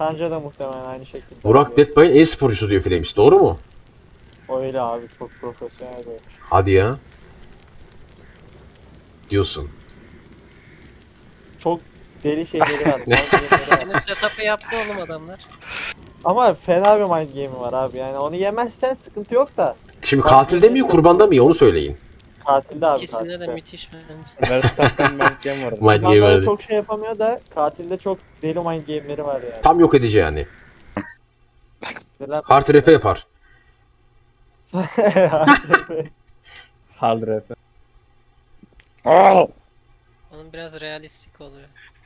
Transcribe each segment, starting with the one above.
Sanca da muhtemelen aynı şekilde. Burak Deadpay'ın e-sporcusu diyor Flames. Doğru mu? Öyle abi, çok profesyonel böyle. Hadi ya. Diyorsun. Çok deli şeyleri var. mind game'leri var. Yine setup'ı yaptı oğlum adamlar. Ama fena bir mind game'i var abi. Yani onu yemezsen sıkıntı yok da. Şimdi katilde mi kurbanda mı iyi onu söyleyin. Katilde abi, İkisinde de katilde. müthiş bence. Verstappen'den Belgem var. Mind game Kurbanlarda verdi. çok şey yapamıyor da katilde çok deli mind game'leri var yani. Tam yok edici yani. Neler- Hard rap yapar. Hard rap. Onun biraz realistik oluyor.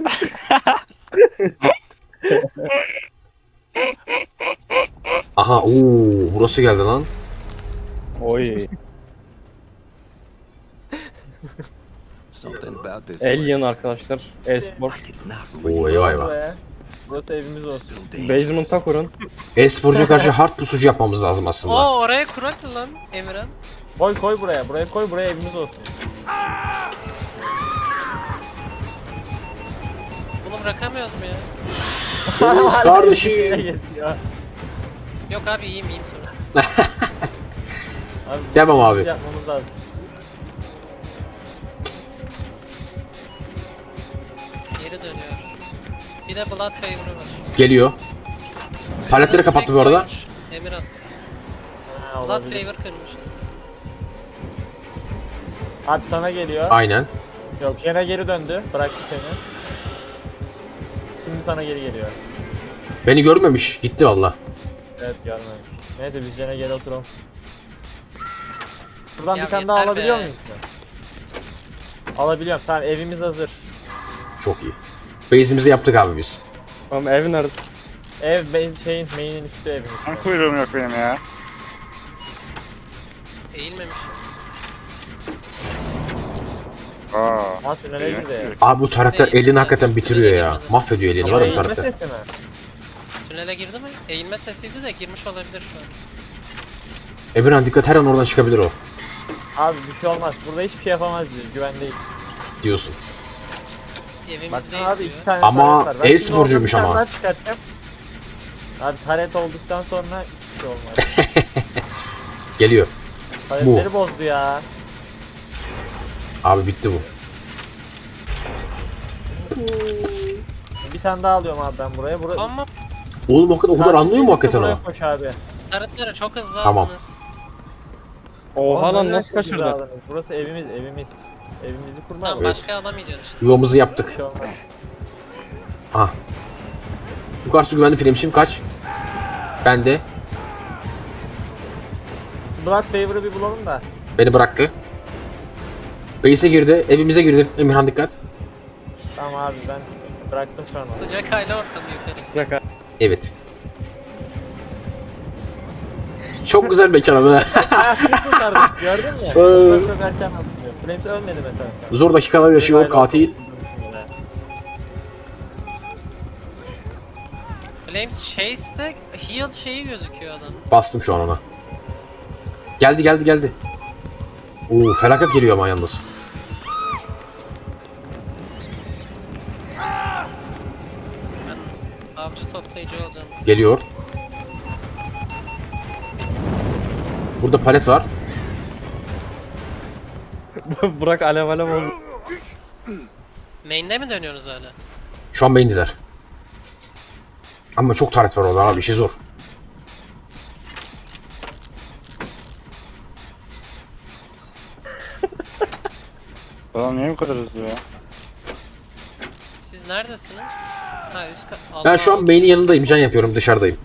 Aha burası geldi lan. Oy. Something about this Alien place. arkadaşlar. E-spor. Like it's not Oo real. eyvah eyvah. Buraya. Burası evimiz olsun. Still dangerous. Basement'a kurun. E-sporcuya karşı hard pusucu yapmamız lazım aslında. Oo oraya kurak mı lan Emirhan? Koy buraya. Buraya koy, buraya evimiz olsun. Bunu bırakamıyoruz mu ya? Flames kardeşim. Yok abi iyiyim sonra. Abi, Demem abi. Yapmamız lazım. Geri dönüyor. Bir de Blood Favor'ı var. Geliyor. Paletleri kapattı bu arada. Sex Emirhan. Ha, Blood olabilir. Favor kırmışız. Abi sana geliyor. Aynen. Yok, Jen'e geri döndü. Bıraktı seni. Şimdi sana geri geliyor. Beni görmemiş. Gitti valla. Evet, görmemiş. Neyse biz Jen'e geri oturalım. Buradan Ya bir tane daha yeter alabiliyor be. muyuz? Alabiliyorum. Tamam, evimiz hazır. Çok iyi. Base'imizi yaptık abi biz. Oğlum ev nerede? Ev main'in üstü evimiz. Ben kuyruğum yok benim ya. Eğilmemiş. Aa. Ha, tünele girdi. Abi bu karakter Değil, elini hakikaten bitiriyor ya. girmedi. Mahvediyor elini var ya bu Eğilme karakter. sesi mi? Tünele girdi mi? Eğilme sesiydi de girmiş olabilir şu an. Emirhan dikkat, her an oradan çıkabilir o. Abi bir şey olmaz. Burada hiçbir şey yapamaz biz. Güvendeyiz. Diyorsun. Evimizdeyiz Baksana abi, diyor. 2 tane Ama taret var. Ben şimdi e-sporcuymuş oradan bir ama. tane daha çıkartacağım. Abi taret olduktan sonra hiçbir şey olmaz. Geliyor. Taretleri bozdu ya. Abi bitti bu. Bir tane daha alıyorum abi ben buraya. Ama Oğlum o kadar anlıyor mu hakikaten buraya o? koş abi. tarıtları çok hızlı Tamam. aldınız. Oha Oğlum, lan nereden nasıl çok güzel kaçırdın? aldınız? Burası evimiz. Evimizi kurma. Tamam Evet. başka alamayacaksın işte. Yuvamızı Bir yaptık. şey olmaz. Aha. Yukarısı güvenli Flames'im kaç? Bende. Şu Blood Favor'ı bir bulalım da. Beni bıraktı. Base'e girdi. Evimize girdi. Emirhan dikkat. Tamam abi ben bıraktım şu an onu. Sıcak aile ortamı yukarısı. Sıcak ha. Evet. Çok güzel mekan abi. Kurtardık, gördün mü? Ee. Çok erken atılıyor. Flames ölmedi mesela. Zor dakikalar yaşıyor katil. Flames Chase'de heal şeyi gözüküyor adam. Bastım şu an ona. Geldi. Oo felaket geliyor ama yalnız. Avcı toplayıcı olacağım. Geliyor. Burada palet var. Burak alev oldu. Main'de mi dönüyorsunuz hala? Şu an main'diler. Ama çok taret var orada abi, işi zor. Adam niye bu kadar hızlı ya? Siz neredesiniz? Ha üst kat. Ben şu an main'in yanındayım, can yapıyorum, dışarıdayım.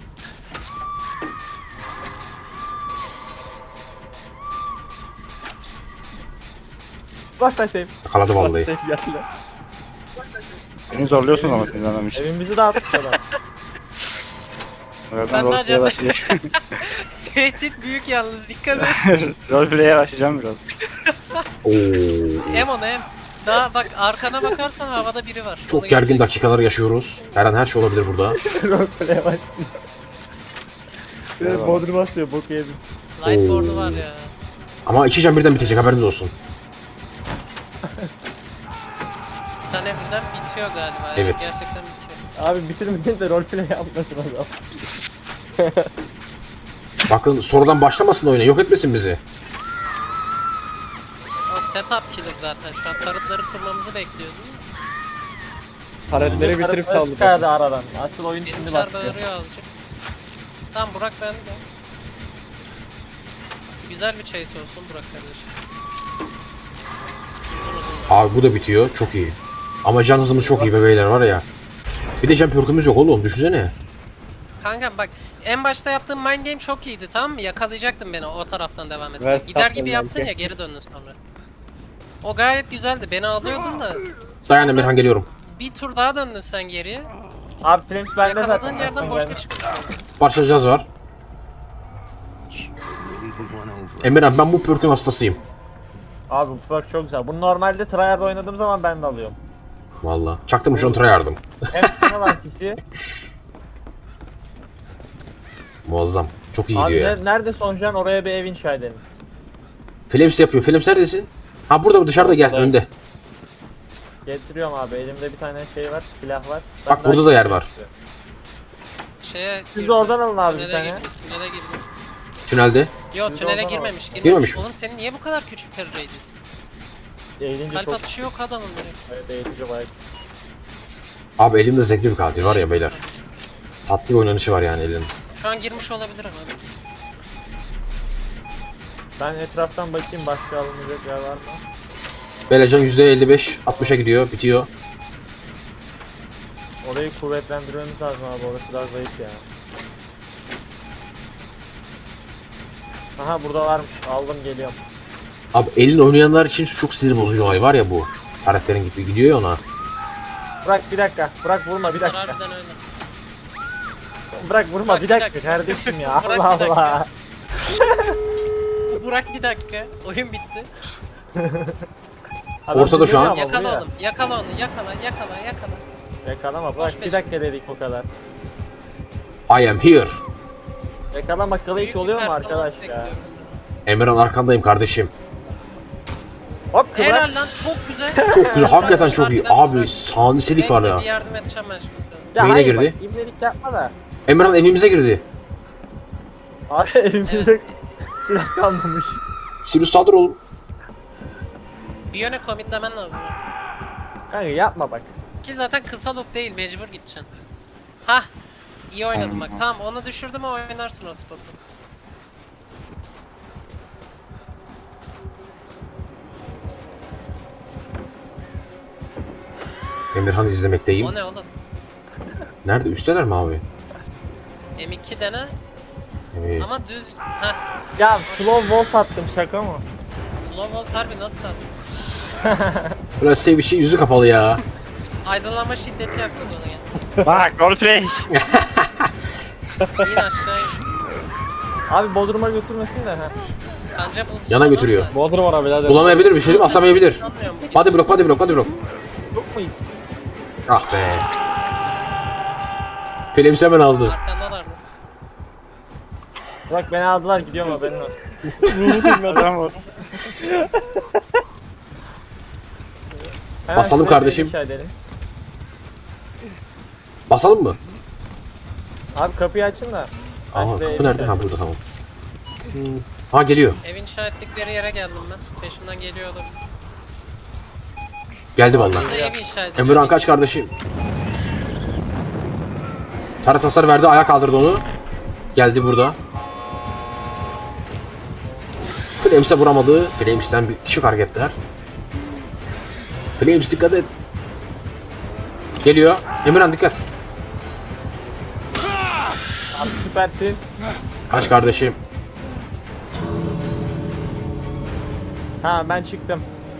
Başla save. Yakaladı vallahi. Şey geldi. Beni zorluyorsun ama siz anlamış. Evimizi dağıttık adam. Birazdan Ben de roleplay'e acaba- başlayacağım. Tehdit büyük yalnız dikkat et. Roleplay'e başlayacağım biraz. Oo. Em onu em. Daha bak arkana bakarsan havada biri var. Çok Onu gergin göreceksin. dakikalar yaşıyoruz. Her an her şey olabilir burada. Roleplay'e başlıyor. Bir de Eyvallah. Bodrum basıyor, boku yedim. Lightboard'u var ya. Ama 2 can birden bitecek, haberiniz olsun. 2 tane birden bitiyor galiba. Evet. Gerçekten bitiyor. Abi bitirmeyin de roleplay yapmasın o zaman. Bakın sonradan başlamasın oyuna. Yok etmesin bizi. O setup killer zaten. Şu an tarıtları kurmamızı bekliyordum. Taretleri bitirip saldı. Çıkardı aradan. Asıl oyun şimdi Benimkiler başlıyor. bağırıyor azıcık. Tamam Burak bende. Güzel bir chase olsun Burak kardeşim. Uzun uzun. Abi bu da bitiyor. Çok iyi. Ama can hızımız çok iyi be beyler var ya. Bir de can perk'ümüz yok oğlum. Düşünsene. Kanka bak en başta yaptığım mind game çok iyiydi tamam mı? Yakalayacaktın beni o taraftan devam etsen. Ver Gider sapla gibi yaptın belki. ya geri döndün sonra. O gayet güzeldi. Beni alıyordun da Dayan Emirhan geliyorum. bir tur daha döndün sen geriye. Abi Flames bende zaten. Yakaladığın yerden boşta çıkıyorsun. Parçalayacağız var. Emirhan ben bu perk'ün hastasıyım. Abi bu perk çok güzel. Bunu normalde tryhard oynadığım zaman ben de alıyorum. Valla. Çaktım şu an tryhard'ım. Hem kanal antisi. Muazzam. Çok iyi Abi gidiyor ya. nerede Soncan oraya bir ev inşa edelim. Flames yapıyor. Flames neredesin? Ha burada dışarıda gel Buradayım. önde. Getiriyorum abi. Elimde bir tane şey var, silah var. Bak Ben burada da yer var. Şeye Siz girdim. de oradan alın abi bir Tünele tane. girdim. Tünele girdim. Tünelde. Yo Siz de tünele oradan girmemiş. Girmemiş mi? Oğlum senin niye bu kadar küçük carry radius? Eğilince Kalp çok atışı yok adamın direkt. evet, eğitici bayağı. Abi elimde zevkli bir katil var ya beyler. Tatlı bir oynanışı var yani elinin. Şu an girmiş olabilir ama. Ben etraftan bakayım başka alınacak yer var mı? Belecan %55 60'a gidiyor. Bitiyor. Orayı kuvvetlendirmemiz lazım abi. Orası daha zayıf ya. Aha burada varmış. Aldım geliyorum. Abi elin oynayanlar için çok sinir bozucu olay var ya bu. Karakterin gibi gidiyor ya ona. Bırak bir dakika. Bırak vurma bir Bunlar dakika. harbiden öyle. Bırak vurma Bırak bir bir dakika dakika. kardeşim ya. Bırak Allah bir dakika. Allah. Burak bir dakika. Oyun bitti. Adam Ortada şu an. dinlemiyor ama Yakala vuruyor. oğlum. Yakala onu. Yakala. Yakalama Boş bırak bir peşin. dakika dedik o kadar. I am here. Yakalamalı hiç Büyük oluyor bir mu performans arkadaş ya? bekliyorum senden. Emirhan arkandayım kardeşim. Hop kıvrak. Helal lan çok güzel. Çok güzel. Hakikaten çok iyi. Harbiden Abi Burak. saniselik var Bekle, ya. bir yardım edeceğim ben şimdi sana. Ya Beyne hayır girdi. bak imlelik yapma da. Emirhan evimize girdi. Abi elimizde silah kalmamış. Sirius saldır oğlum. Bir yöne commitlemen lazım artık. Kanka yapma bak. Ki zaten kısa loop değil mecbur gideceksin. Hah. İyi oynadın bak. Tamam onu düşürdüm mü oynarsın o spotu. Emirhan'ı izlemekteyim. O ne oğlum? Nerede? Üstteler mi abi? M2 dene ama düz. Hah. Ya slow volt attım şaka mı? Slow volt harbi nasıl aldın? Biraz sevişi yüzü kapalı ya. Aydınlanma şiddeti yaptın onu ya. Bak roleplay. İn aşağı in. Abi Bodrum'a götürmesin de ha. Kanca bulsun. Yana adam götürüyor. da. Bodrum ara birader. Bulamayabilir bir şey değil mi? Asamayabilir. Sanmıyorum bu Body block, body block, body block. Yok mu? Ah be. Flames hemen aldı. Arkandalardı. Bak beni aldılar gidiyorum haberin olsun. Adam var. Hemen Basalım şuraya kardeşim. bir inşa edelim. Basalım mı? Abi kapıyı açın da. Ben Aa şuraya kapı bir nerede? inşa Ha burada tamam. Ha geliyor. Ev inşa ettikleri yere geldim ben. Peşimden geliyor olabilir. Geldi vallahi. Burada ev inşa ediliyor. Emirhan kaç kardeşim? Tarat hasar verdi, ayağa kaldırdı onu. Geldi burada. Flames'e vuramadı. Flames'ten bir şık hareketler. Flames dikkat et. Geliyor. Emirhan dikkat. Abi süpersin. Kaç kardeşim. Ha ben çıktım.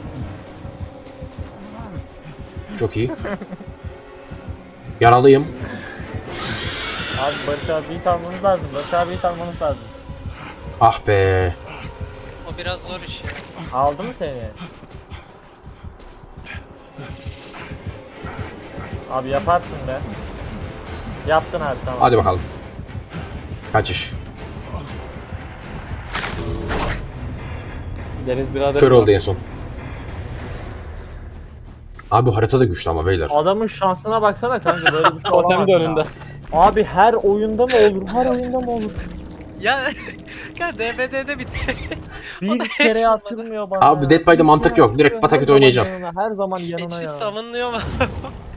Çok iyi. Yaralıyım. Abi Barış abiyi almanız lazım. Barış abiyi almanız lazım. Ah be. O biraz zor iş ya. Aldı mı seni? Abi yaparsın be. Yaptın abi tamam. Hadi bakalım. Kaçış. Deniz birader. Kör oldu en son. Abi harita da güçlü ama beyler. Adamın şansına baksana kanka, böyle bir şey olamaz Totem de ya. önünde. Abi her oyunda mı olur? Her oyunda mı olur? Ya kanka DBD'de bir O da Bir hiç kere olmadı. atılmıyor bana Abi ya. Dead by the Bir mantık kere yok. Direkt atılıyor, pataküte her zaman oynayacağım. yanına, her zaman yanına içi ya. savunluyor mu?